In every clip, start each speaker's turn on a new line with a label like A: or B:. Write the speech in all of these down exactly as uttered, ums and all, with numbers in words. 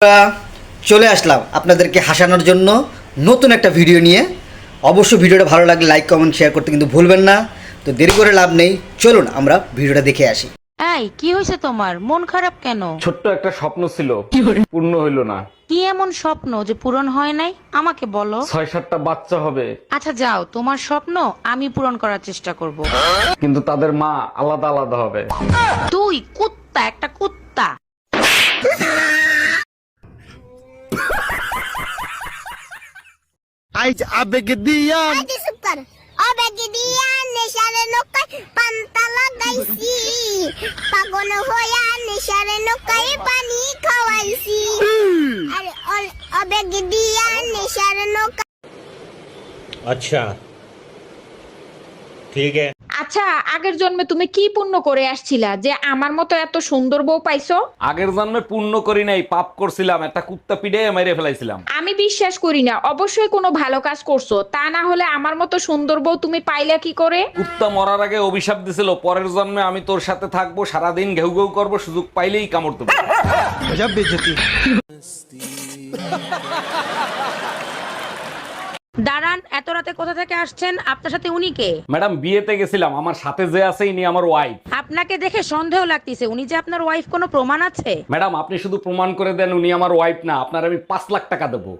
A: আমরা চলে আসলাম আপনাদেরকে হাসানোর জন্য নতুন একটা ভিডিও নিয়ে। অবশ্যই ভিডিওটা ভালো লাগলে লাইক কমেন্ট শেয়ার করতে কিন্তু ভুলবেন না। তো দেরি করে লাভ নেই, চলুন আমরা ভিডিওটা দেখে আসি।
B: এই কি হয়েছে তোমার? মন খারাপ কেন?
C: ছোট্ট একটা স্বপ্ন ছিল, পূর্ণ হইল না।
B: কি এমন স্বপ্ন যে পূরণ হয় নাই আমাকে বলো।
C: ছয় সাতটা বাচ্চা হবে,
B: আচ্ছা যাও, তোমার স্বপ্ন আমি পূরণ করার চেষ্টা করব।
C: কিন্তু তাদের মা আলাদা আলাদা হবে।
B: তুই কুত্তা, একটা কুত্তা।
D: আইজ আবেগ দিয়া
E: আগে চুপ কর। আবেগ দিয়া নেশার নৌকায় পান্তা লাগাইছি, পাগল হইয়া নেশার নৌকায় পানি খাওয়াইছি। আরে অ- আবেগ দিয়া নেশার নৌকা।
F: अच्छा ठीक है।
G: আচ্ছা, আগের জন্মে তুমি কি পুণ্য করে আসছিলা যে আমার মতো এত সুন্দর বউ পাইছো?
C: আগের জন্মে পূর্ণ করি নাই, পাপ করছিলাম, একটা কুত্তা পিড়ে মেরে ফেলাইছিলাম।
G: আমি বিশ্বাস করি না, অবশ্যই কোনো ভালো কাজ করছো, তা না হলে আমার মতো সুন্দর বউ তুমি পাইলা কি করে?
C: কুত্তা মরার আগে অভিশাপ দিছিল, পরের জন্মে আমি তোর সাথে থাকবো, সারাদিন ঘেউ ঘেউ করবো, সুযোগ পাইলেই কামড় দেবো।
D: গজব বেজতি।
B: দাঁড়ান, এত রাতে কোথা থেকে আসছেন? আপনার সাথে উনি কে?
C: ম্যাডাম বিয়েতে গেছিলাম, আমার সাথে যে আছে ইনি আমার ওয়াইফ।
B: আপনাকে দেখে সন্দেহ লাগতেছে, উনি যে আপনার ওয়াইফ, কোনো প্রমাণ আছে?
C: ম্যাডাম আপনি শুধু প্রমাণ করে দেন উনি আমার ওয়াইফ না, আপনার আমি পাঁচ লাখ টাকা দেবো।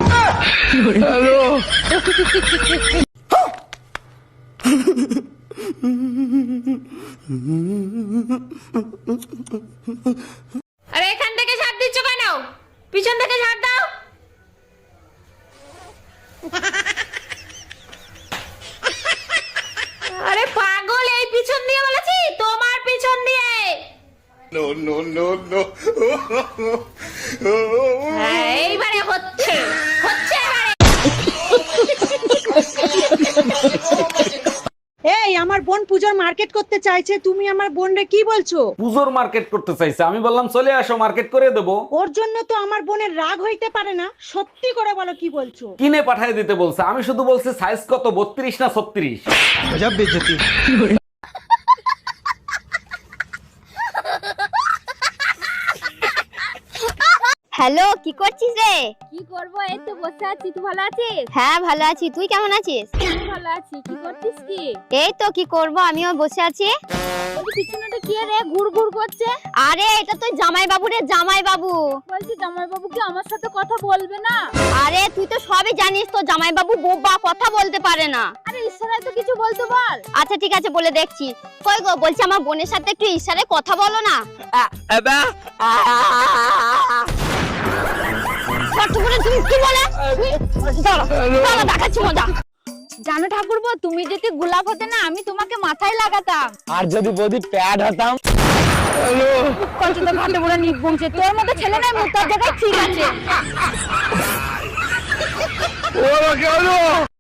G: আরে এখান থেকে ঝাড় দিচ্ছ কেন? পিছন থেকে ঝাড় দাও। আরে পাগল, এই পিছন দিয়ে বলেছি, তোমার পিছন দিয়ে।
D: No no no no.
G: হ্যাঁ, এইবারে হচ্ছে হচ্ছে এবারে।
H: এই আমার বোন পূজোর মার্কেট করতে চাইছে, তুমি আমার বোনরে কি বলছো?
C: পুজোর মার্কেট করতে চাইছে, আমি বললাম চলে আসো, মার্কেট করে দেবো।
H: ওর জন্য তো আমার বোনের রাগ হইতে পারে না, সত্যি করে বলো কি বলছো?
C: কিনে পাঠিয়ে দিতে বলছে, আমি শুধু বলছি সাইজ কত, বত্রিশ না ছত্রিশ।
D: গজব বেজতি।
E: হ্যালো, কি করছিস রে?
I: কি করবো, এই তো বসে আছি। তুই ভালো আছিস?
E: হ্যাঁ ভালো আছি, তুই কেমন আছিস?
I: আমি ভালো আছি। কি করছিস কি?
E: এই তো কি করব, আমিও বসে আছি।
I: বলছি পিছনেটা কি রে ঘুর ঘুর করছে?
E: আরে এটা তো জামাই বাবু রে, জামাই বাবু।
I: বলছি জামাই বাবু কি আমার সাথে কথা বলবে না?
E: আরে তুই তো সবই জানিস, তো জামাই বাবু বোবা, কথা বলতে পারে না।
I: আরে ইশারায় তো কিছু বলতে বল।
E: আচ্ছা ঠিক আছে, বলে দেখছি। কই গো, বলছি আমার বোনের সাথে একটু ইশারায় কথা বলো না। ছোট্টুকুরে তুমি কি বলে? দাঁড়া, দাঁড়া, দেখাচ্ছি মজা।
I: জানো ঠাকুরপো, তুমি যদি গোলাপ হতে না, আমি তোমাকে মাথায় লাগাতাম।
D: আর যদি বদি প্যাড হতাম।
I: কত ঘাটে বড় নির্বংশে, তোর মতো ছেলে নাই, মুখ তার জায়গায় ঠিক আছে।
D: ও কেন?